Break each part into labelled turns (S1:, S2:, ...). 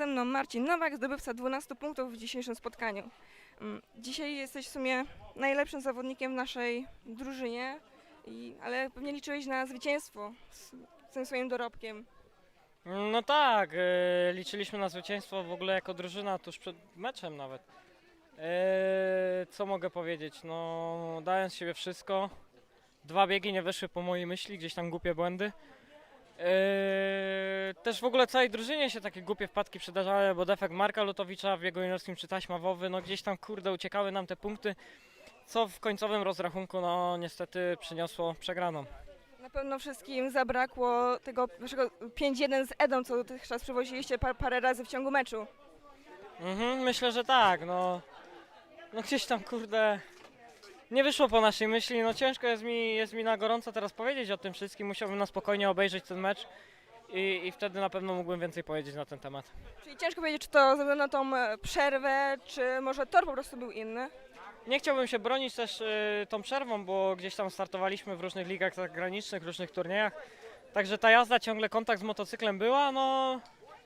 S1: mną Marcin Nowak, zdobywca 12 punktów w dzisiejszym spotkaniu. Dzisiaj jesteś w sumie najlepszym zawodnikiem w naszej drużynie, ale pewnie liczyłeś na zwycięstwo z tym swoim dorobkiem.
S2: No tak, liczyliśmy na zwycięstwo w ogóle jako drużyna tuż przed meczem nawet. Co mogę powiedzieć? No, dałem z siebie wszystko. 2 biegi nie wyszły po mojej myśli, gdzieś tam głupie błędy. Też w ogóle całej drużynie się takie głupie wpadki przydarzały, bo defekt Marka Lutowicza w biegu juniorskim czy taśma Wowy, no gdzieś tam kurde uciekały nam te punkty, co w końcowym rozrachunku no niestety przyniosło przegraną.
S1: Na pewno wszystkim zabrakło tego waszego 5-1 z Edą, co dotychczas przywoziliście parę razy w ciągu meczu.
S2: Myślę, że tak, no gdzieś tam kurde nie wyszło po naszej myśli, no ciężko jest mi na gorąco teraz powiedzieć o tym wszystkim, musiałbym na spokojnie obejrzeć ten mecz i wtedy na pewno mógłbym więcej powiedzieć na ten temat.
S1: Czyli ciężko powiedzieć, czy to ze względu na tą przerwę, czy może tor po prostu był inny.
S2: Nie chciałbym się bronić też tą przerwą, bo gdzieś tam startowaliśmy w różnych ligach zagranicznych, różnych turniejach, także ta jazda, ciągle kontakt z motocyklem była, no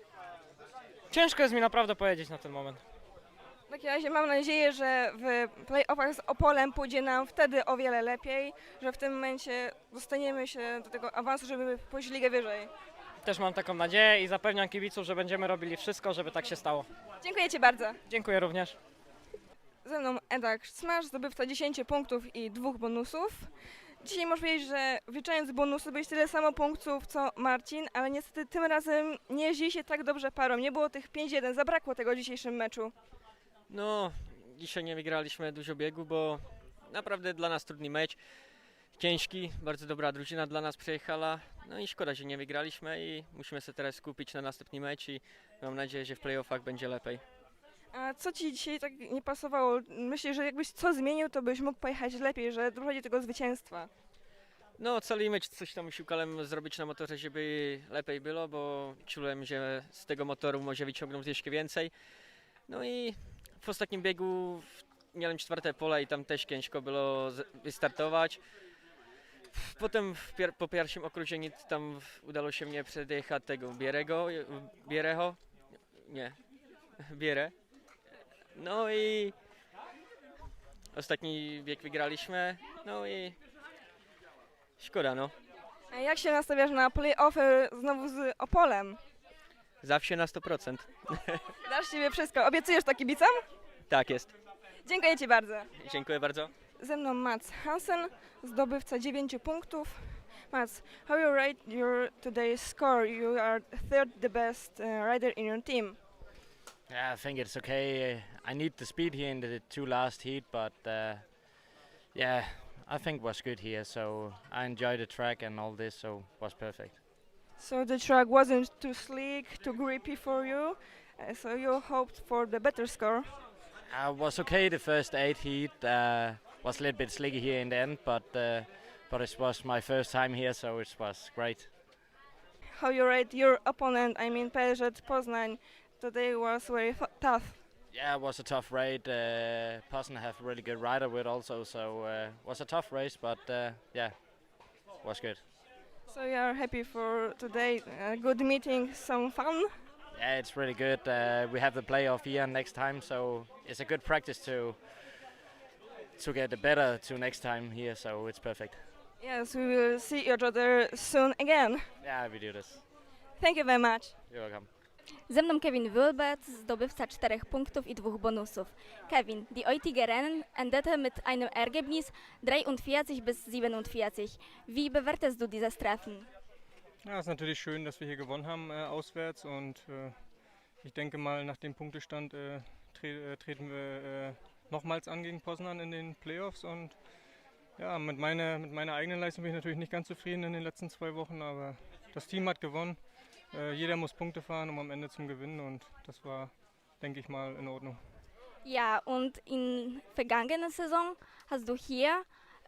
S2: ciężko jest mi naprawdę powiedzieć na ten moment.
S1: W takim razie mam nadzieję, że w play-offach z Opolem pójdzie nam wtedy o wiele lepiej, że w tym momencie dostaniemy się do tego awansu, żeby pójść ligę wyżej.
S2: Też mam taką nadzieję i zapewniam kibiców, że będziemy robili wszystko, żeby tak się stało.
S1: Dziękuję Ci bardzo.
S2: Dziękuję również.
S1: Ze mną Eda Smash, zdobywca 10 punktów i 2 bonusów. Dzisiaj można powiedzieć, że wliczając bonusy byłeś tyle samo punktów co Marcin, ale niestety tym razem nie jeździ się tak dobrze parą. Nie było tych 5-1, zabrakło tego w dzisiejszym meczu.
S3: No, dzisiaj nie wygraliśmy dużo biegu, bo naprawdę dla nas trudny mecz. Ciężki, bardzo dobra drużyna dla nas przyjechała. No i szkoda, że nie wygraliśmy i musimy się teraz skupić na następny mecz i mam nadzieję, że w playoffach będzie lepiej.
S1: A co Ci dzisiaj tak nie pasowało? Myślę, że jakbyś co zmienił, to byś mógł pojechać lepiej, że dochodzi do tego zwycięstwa.
S3: No, cały mecz coś tam szukałem zrobić na motorze, żeby lepiej było, bo czułem, że z tego motoru może wyciągnąć jeszcze więcej. No i w ostatnim biegu miałem 4. pole i tam też ciężko było wystartować. Potem po pierwszym okrążeniu tam udało się mnie przedjechać tego Biereho, nie, Bierę. No i ostatni bieg wygraliśmy, no i szkoda no,
S1: A jak się nastawiasz na play-offy znowu z Opolem?
S3: zawsze na 100%.
S1: Dasz siebie wszystko. Obiecujesz to kibicom?
S3: Tak jest,
S1: Dziękuję Ci bardzo.
S3: dziękuję bardzo.
S1: Ze mną Mats Hansen, zdobywca 9 punktów. Mats, how you rate your today's score? You are third the best rider in your team.
S4: Yeah, I think it's okay. I need the speed here in the 2 last heat, but yeah, I think was good here. So I enjoyed the track and all this, so was perfect.
S1: So the track wasn't too slick, too grippy for you, so you hoped for the better score.
S4: I was okay the first 8 heat. Was a little bit slicky here in the end, but it was my first time here, so it was great.
S1: How you rate your opponent? I mean, PZ Poznań today was very tough.
S4: Yeah, it was a tough raid. Posen have a really good rider with also, so was a tough race, but yeah, was good.
S1: So you are happy for today? Good meeting, some fun.
S4: Yeah, it's really good. We have the playoff here next time, so it's a good practice to get better to next time here. So it's perfect.
S1: Yes, we will see each other soon again.
S4: Yeah, we do this.
S1: Thank you very much.
S4: You're welcome.
S5: Ze mną Kevin Wilbert, zdobywca 4 punktów i 2 bonusów. Kevin, die heutige Rennen endete mit einem Ergebnis 43 bis 47. Wie bewertest du dieses Treffen?
S6: Ja, es ist natürlich schön, dass wir hier gewonnen haben auswärts und ich denke mal, nach dem Punktestand treten wir nochmals an gegen Poznan in den Playoffs und ja, mit meiner eigenen Leistung bin ich natürlich nicht ganz zufrieden in den letzten 2 Wochen, aber das Team hat gewonnen. Jeder muss Punkte fahren, um am Ende zu gewinnen und das war, denke ich mal, in Ordnung.
S5: Ja, und in vergangener Saison hast du hier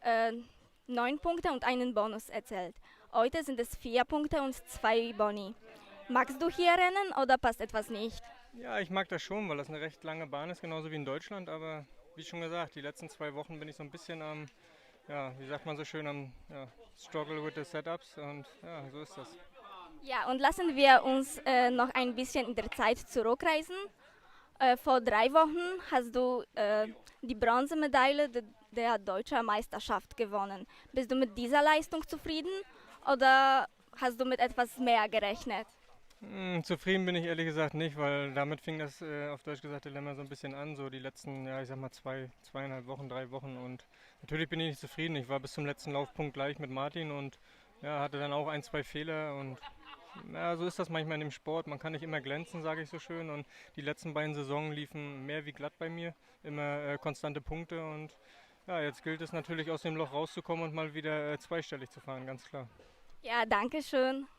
S5: 9 Punkte und einen Bonus erzielt. Heute sind es 4 Punkte und 2 Boni. Magst du hier rennen oder passt etwas nicht?
S6: Ja, ich mag das schon, weil das eine recht lange Bahn ist, genauso wie in Deutschland, aber wie schon gesagt, die letzten 2 Wochen bin ich so ein bisschen am, ja, wie sagt man so schön, am Struggle with the Setups und ja, so ist das.
S5: Ja, und lassen wir uns noch ein bisschen in der Zeit zurückreisen. Vor 3 Wochen hast du die Bronzemedaille der deutschen Meisterschaft gewonnen. Bist du mit dieser Leistung zufrieden oder hast du mit etwas mehr gerechnet?
S6: Zufrieden bin ich ehrlich gesagt nicht, weil damit fing das auf Deutsch gesagt Dilemma so ein bisschen an, so die letzten, ja ich sag mal 2,5 Wochen, 3 Wochen und natürlich bin ich nicht zufrieden. Ich war bis zum letzten Laufpunkt gleich mit Martin und ja, hatte dann auch 1, 2 Fehler und ja, so ist das manchmal in dem Sport. Man kann nicht immer glänzen, sage ich so schön und die letzten beiden Saisons liefen mehr wie glatt bei mir, immer konstante Punkte und ja, jetzt gilt es natürlich aus dem Loch rauszukommen und mal wieder zweistellig zu fahren, ganz klar.
S5: Ja, danke schön.